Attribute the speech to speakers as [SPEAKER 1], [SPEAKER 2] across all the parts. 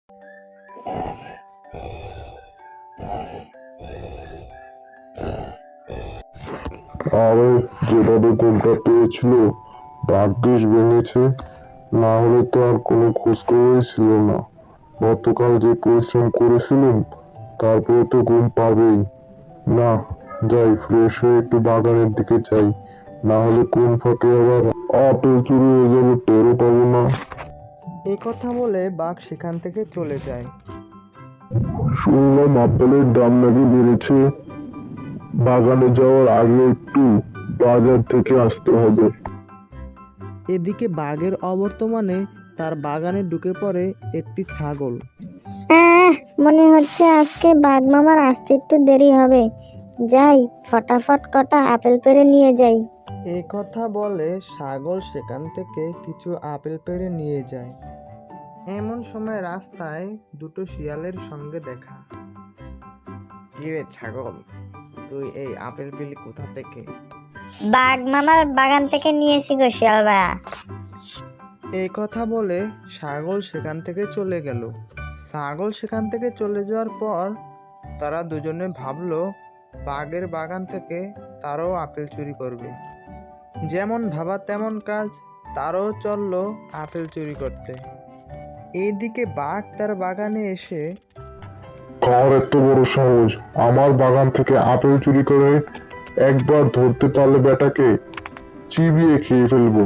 [SPEAKER 1] আরে যেভাবে গোলটা পেয়েছিল ভাগ্যিস ভেঙেছে, না হলে তো আর কোনো খোঁজ খবরই ছিল না। গতকাল যে পরিশ্রম করেছিলাম তারপরে তো ঘুম পাবেই না। যাই, ফ্রেশ হয়ে একটু বাগানের দিকে যাই, না হলে কোন ফাঁকে আবার আপেল চুরি হয়ে যাবে, টেরও পাবো না।
[SPEAKER 2] এই কথা বলে বাঘ সেখান থেকে চলে যায়।
[SPEAKER 1] শুনলাম আপেলের দাম নাকি বেড়েছে। বাগানে যাওয়ার আগে একটু বাজার থেকে আসতে হবে।
[SPEAKER 2] এদিকে বাঘের অবর্তমানে তার বাগানে ঢুকে পড়ে একটি ছাগল।
[SPEAKER 3] আহ মনে হচ্ছে আজকে বাঘ মামার আসতে একটু দেরি হবে। যাই, ফটাফট কটা আপেল পেড়ে নিয়ে যাই।
[SPEAKER 2] এই কথা বলে ছাগল সেখান থেকে কিছু আপেল পেড়ে নিয়ে যায়। এমন সময় রাস্তায় দুটো শিয়ালের সঙ্গে দেখা। কিরে ছাগল, তুই এই আপেল পেলি কোথা থেকে?
[SPEAKER 3] বাঘ মামার বাগান থেকে নিয়েছি গো শিয়াল ভাইয়া।
[SPEAKER 2] এই কথা বলে ছাগল সেখান থেকে চলে গেল। ছাগল সেখান থেকে চলে যাওয়ার পর তারা দুজনে ভাবলো বাঘের বাগান থেকে তারাও আপেল চুরি করবে। যেমন ভাবা তেমন কাজ, তারাও চললো আপেল চুরি করতে। এইদিকে বাঘ তার বাগানে এসে
[SPEAKER 1] কার এত বড় সাহস আমার বাগান থেকে আপেল চুরি করে? একবার ধরতে পারলে বেটাকে চিবিয়ে খেয়ে ফেলবো।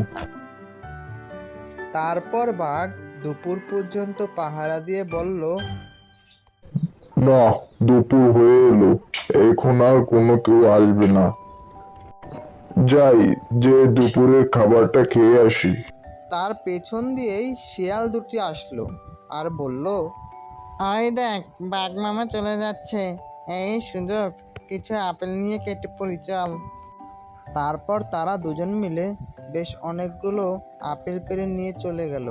[SPEAKER 2] তারপর বাঘ দুপুর পর্যন্ত পাহারা দিয়ে বলল,
[SPEAKER 1] না, দুপুর হয়ে এলো, এখন আর কোনো কেউ আসবে না। যাই, যে দুপুরের খাবারটা খেয়ে আসি।
[SPEAKER 2] তার পেছন দিয়েই শিয়াল দুটি আসলো আর বলল, ওই দেখ, বাঘ মামা চলে যাচ্ছে, এই সুযোগ, কিছু আপেল নিয়ে কেটে পড়ি চল। তারপর তারা দুজন মিলে বেশ অনেকগুলো আপেল পেড়ে নিয়ে চলে গেল।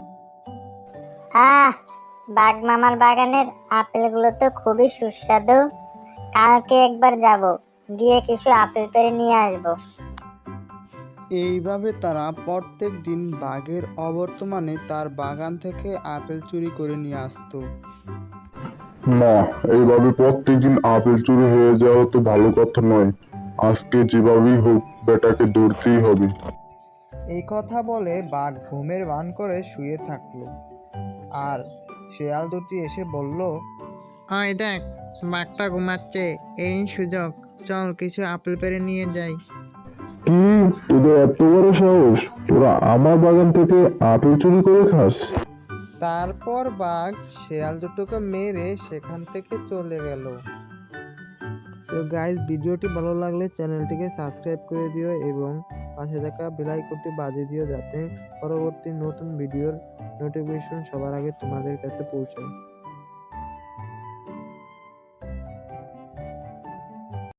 [SPEAKER 3] আহ বাঘ মামার বাগানের আপেলগুলো তো খুবই সুস্বাদু। কালকে একবার যাব, গিয়ে কিছু আপেল পেড়ে নিয়ে আসবো।
[SPEAKER 2] এইভাবে তারা প্রত্যেক দিন বাঘের অবর্তমানে তার বাগান থেকে আপেল চুরি করে নিয়ে আসতো।
[SPEAKER 1] না, এইভাবে প্রত্যেকদিন আপেল চুরি হয়ে যাওয়া তো ভালো কথা নয়। আজকে যেভাবেই হোক বেটাকে ধরতেই হবে।
[SPEAKER 2] এই কথা বলে বাঘ ঘুমের ভান করে শুয়ে থাকলো। আর শেয়াল দুটি এসে বলল, ওই দেখ, বাঘটা ঘুমাচ্ছে, এই সুযোগ, চল কিছু আপেল পেড়ে নিয়ে যাই।
[SPEAKER 1] কি, তোদের এত বড় সাহস? তোরা আমার বাগান থেকে আপেল চুরি করে খাস?
[SPEAKER 2] তারপর বাঘ শেয়াল দুটোকে মেরে সেখান থেকে চলে গেল। সো গাইস, ভিডিওটি ভালো লাগলে চ্যানেলটিকে সাবস্ক্রাইব করে দিও এবং পাশে থাকা বেল আইকনটি বাজিয়ে দিও, যাতে পরবর্তী নতুন ভিডিওর নোটিফিকেশন সবার আগে তোমাদের কাছে পৌঁছায়।